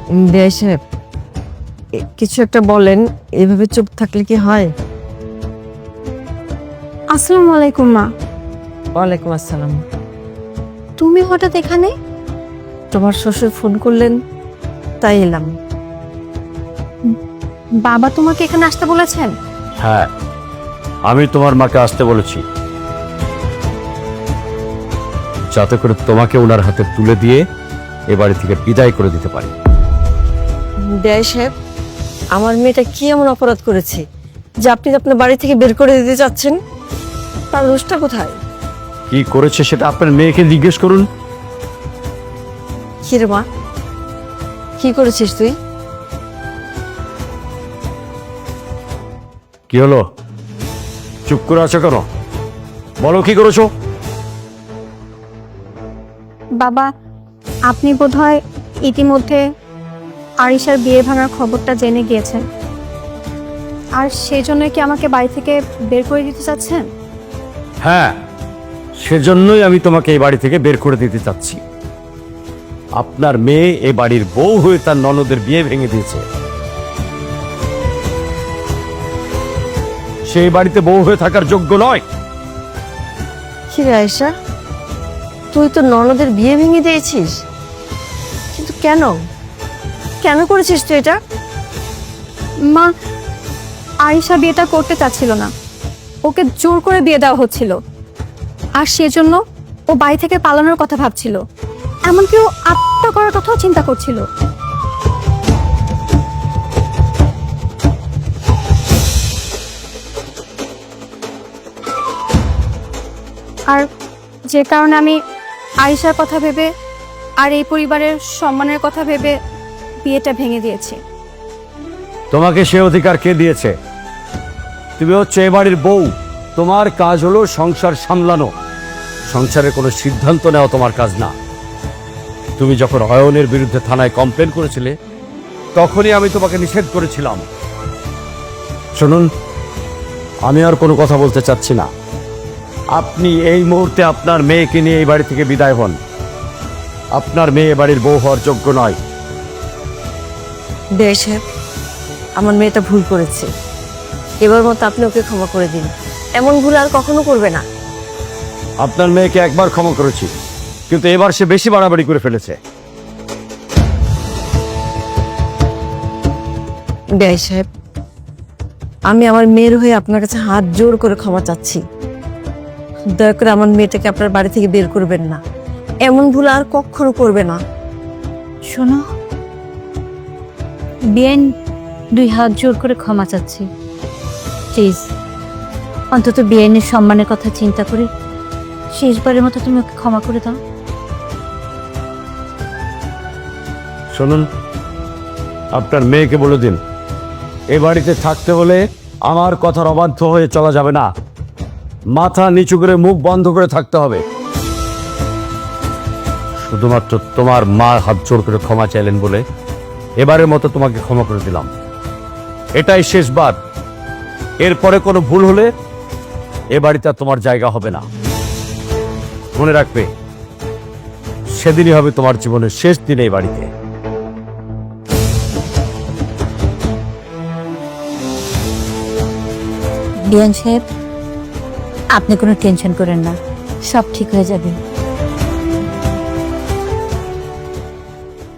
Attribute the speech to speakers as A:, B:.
A: বিআই সাহেব, কিছু একটা বলেন, এভাবে চুপ থাকলে কি হয়?
B: আসসালামু আলাইকুম মা।
A: ওয়ালাইকুম আসসালাম।
B: তুমি হঠাৎ এখানে?
A: তোমার শ্বশুর ফোন করলেন, তাই এলাম।
B: বাবা তোমাকে এখানে আসতে বলেছেন?
C: হ্যাঁ, আমি তোমার মাকে আসতে বলেছি, যাতে করে তোমাকে ওনার হাতে তুলে দিয়ে এ বাড়ি থেকে বিদায় করে দিতে পারি।
A: বিআই সাহেব, আমার মেয়েটা কি এমন অপরাধ করেছে যে আপনি আপনার বাড়ি থেকে বের করে দিতে চাচ্ছেন? তার দোষটা কোথায়?
C: কি করেছে সেটা আপনার মেয়েকে জিজ্ঞেস করুন।
A: কি রে মা, কি করেছিস তুই?
C: কি হলো, চুপ করে আছো কেন? বলো কি করেছো।
B: বাবা, আপনি বোধহয় ইতিমধ্যে আরিশার বিয়ে ভাঙার খবরটা জেনে গিয়েছেন, আর সেই জন্য কি আমাকে বাড়ি থেকে বের করে দিতে চাচ্ছেন?
C: হ্যাঁ, সেজন্যই আমি তোমাকে এই বাড়ি থেকে বের করে দিতে চাচ্ছি। আপনার মেয়ে এই বাড়ির বউ হয়ে তার ননদের বিয়ে ভেঙে দিয়েছে। সেই বাড়িতে বউ হয়ে থাকার যোগ্য নয়।
A: কি রে আয়েশা, তুই তো ননদের বিয়ে ভেঙে দিয়েছিস, কিন্তু কেন? কেন করেছিস তুই এটা?
B: মা, আরিশা বিয়েটা করতে চাচ্ছিল না, ওকে জোর করে বিয়ে দেওয়া হচ্ছিল, আর সেজন্য ও বাড়ি থেকে পালানোর কথা ভাবছিল, এমনকি ও আত্মহত্যা করার কথাও চিন্তা করছিল। আর যে কারণে আমি আয়েশার কথা ভেবে আর এই পরিবারের সম্মানের কথা ভেবে বিয়েটা ভেঙে দিয়েছি।
C: তোমাকে সে অধিকার কে দিয়েছে? তুমি হচ্ছে এ বাড়ির বউ, তোমার কাজ হলো সংসার সামলানো, সংসারের কোনো সিদ্ধান্ত নেওয়া তোমার কাজ না। তুমি যখন অয়নের বিরুদ্ধে থানায় কমপ্লেন করেছিলে, তখনই আমি তোমাকে নিষেধ করেছিলাম। শুনুন, আমি আর কোনো কথা বলতে চাচ্ছি না। আপনি এই মুহূর্তে আপনার মেয়েকে নিয়ে এই বাড়ি থেকে বিদায় হন। আপনার মেয়ে বাড়ির বউ হওয়ার যোগ্য নয়।
A: বিআই সাহেব, আমার মেয়েটা ভুল করেছে, এবার মতো আপনি ওকে ক্ষমা করে দিন। এমন ভুল আর কখনো করবে না।
C: আপনার মেয়েকে একবার ক্ষমা করেছি, কিন্তু এবার সে বেশি বাড়াবাড়ি করে ফেলেছে।
A: বিআই সাহেব, আমি আমার মেয়ের হয়ে আপনার কাছে হাত জোর করে ক্ষমা চাচ্ছি। দয়া করে আমার মেয়েটাকে আপনার বাড়ি থেকে বের করবেন না। এমন ভুল আর কখনো করবে না।
D: শোনো, বিয়েন 2 হাত জোর করে ক্ষমা চাচ্ছি। প্লিজ, অন্তত বিয়েনের সম্মানের কথা চিন্তা করে শেষবারের মতো তুমি ওকে ক্ষমা করে দাও।
C: শুনুন, আপনার মেয়েকে বলে দিন, এ বাড়িতে থাকতে হলে আমার কথার অবাধ্য হয়ে চলা যাবে না। মাথা নিচু করে মুখ বন্ধ করে থাকতে হবে। শুধুমাত্র তোমার মা হাত জোর করে ক্ষমা চাইলেন বলে এবারের মতো তোমাকে ক্ষমা করে দিলাম। এটাই শেষবার। এরপরে কোনো ভুল হলে এ বাড়িতে আর তোমার জায়গা হবে না। মনে রাখবে, সেদিনই হবে তোমার জীবনের শেষ দিন এই বাড়িতে।
D: বিয়ান সাহেব, আপনি কোনো টেনশন করেন না, সব ঠিক হয়ে যাবে।